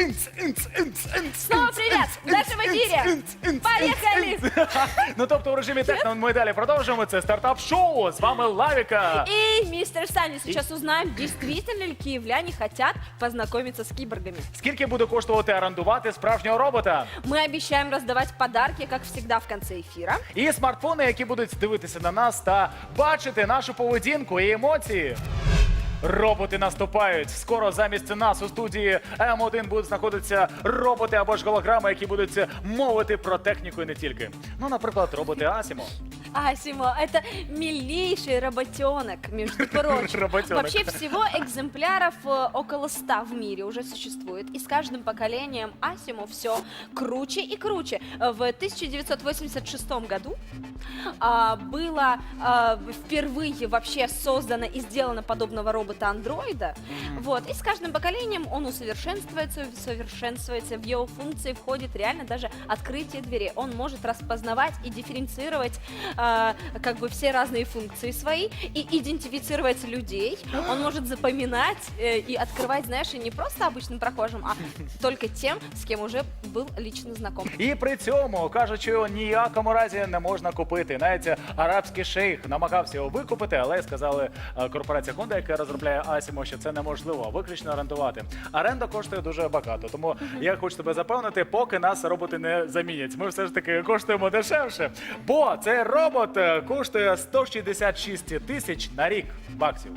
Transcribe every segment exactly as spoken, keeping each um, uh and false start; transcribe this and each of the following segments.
Снова привет! Даша в эфире! Поехали! Ну тобто у режимі техно ми далі продовжуємо. Це стартап-шоу. З вами Лавіка. И, мистер Санни, сейчас узнаем, действительно ли киевляне хотят познакомиться с киборгами. Скільки буде коштувати орендувати справжнього робота? Мы обещаем раздавать подарки, как всегда, в конце эфира. І смартфони, які будуть дивитися на нас та бачити нашу поведінку і емоції. Роботи наступають. Скоро замість нас у студії М один будуть знаходитися роботи або ж голограми, які будуть мовити про техніку і не тільки. Ну, наприклад, роботи Асімо. Асимо, это милейший роботенок, между прочим. Роботенок. Вообще всего экземпляров э, около ста в мире уже существует. И с каждым поколением Асимо все круче и круче. В тысяча девятьсот восемьдесят шестом году а, было а, впервые вообще создано и сделано подобного робота-андроида. Вот. И с каждым поколением он усовершенствуется, усовершенствуется. В его функции входит реально даже открытие дверей. Он может распознавать и дифференцировать а, как бы все разные функции свои и идентифицировать людей. Он может запоминать э, и открывать, знаешь, и не просто обычным прохожим, а только тем, с кем уже был лично знаком. І при цьому кажуть, що його ніякому разі не можна купити. Навіть арабський шейх намагався його викупити, але сказали е, корпорація Honda, яка розробляє Асімо, що це неможливо виключно орендувати. Оренда коштує дуже багато, тому я хочу тебе запевнити, поки нас роботи не замінять. Ми все ж таки коштуємо дешевше, бо цей робот е, коштує сто шістдесят шість тисяч на рік баксів.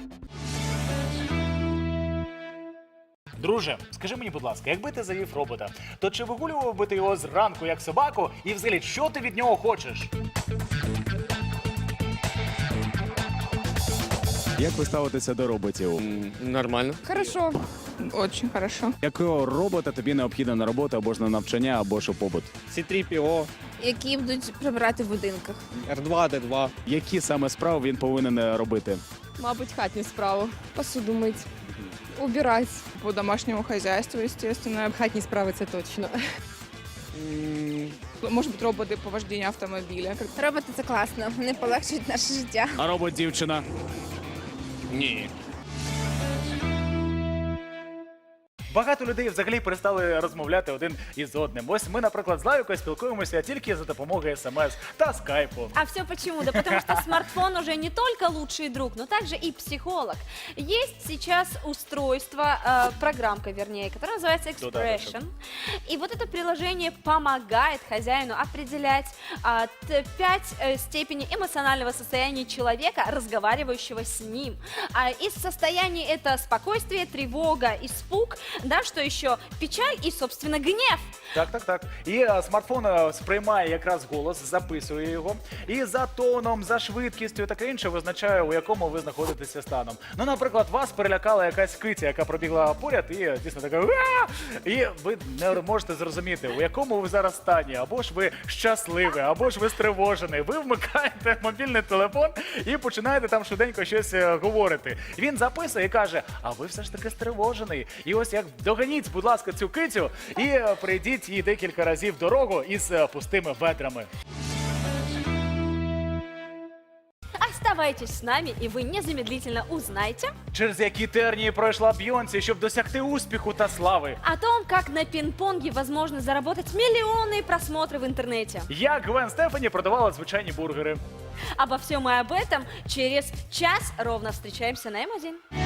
Друже, скажи мені, будь ласка, якби ти завів робота, то чи вигулював би ти його зранку як собаку і взагалі, що ти від нього хочеш? Як ви ставитеся до роботів? Нормально. Хорошо, очень хорошо. Якого робота тобі необхідно на роботу або ж на навчання, або ж у побут? Сі три пі о, Які будуть прибирати в будинках? Р два, Д два. Які саме справи він повинен робити? Мабуть, хатні справи. Посуду мить, убирать. По домашньому хозяйству, естественно. Хатні справи це точно. Може бути роботи по вождінню автомобіля. Роботи це класно, вони полегшують наше життя. А робот-дівчина? Ні. Багато людей взагалі перестали розмовляти один із одним. Ось ми, наприклад, з Лавікою спілкуємося тільки за допомогою смс та скайпу. А все почему? Да потому что смартфон уже не только лучший друг, но также и психолог. Есть сейчас устройство, э, программка, вернее, которая называется Expression. И вот это приложение помогает хозяину определять а, т- пять э, степеней эмоционального состояния человека, разговаривающего с ним. А из состояний это спокойствие, тревога, испуг, да, что еще? Печаль и, собственно, гнев. Так, так, так. І е, смартфон е, сприймає якраз голос, записує його. І за тоном, за швидкістю і таке інше визначає, у якому ви знаходитеся станом. Ну, наприклад, вас перелякала якась киця, яка пробігла поряд і е, дійсно така «Уа!» І ви не можете зрозуміти, у якому ви зараз стані. Або ж ви щасливі, або ж ви стривожений. Ви вмикаєте мобільний телефон і починаєте там швиденько щось е, говорити. Він записує і каже, а ви все ж таки стривожений. І ось як доганіть, будь ласка, цю кицю і е, прийдіть їй декілька разів дорогу із е, пустими ведрами. Оставайтесь с нами, и вы незамедлительно узнаете Через які тернії пройшла Бйонсі, щоб досягти успіху та слави. о том, как на пинг-понге возможно заработать миллионные просмотры в интернете. Як Гвен Стефані продавала звичайні бургери. Обо всем и об этом через час ровно встречаемся на М один.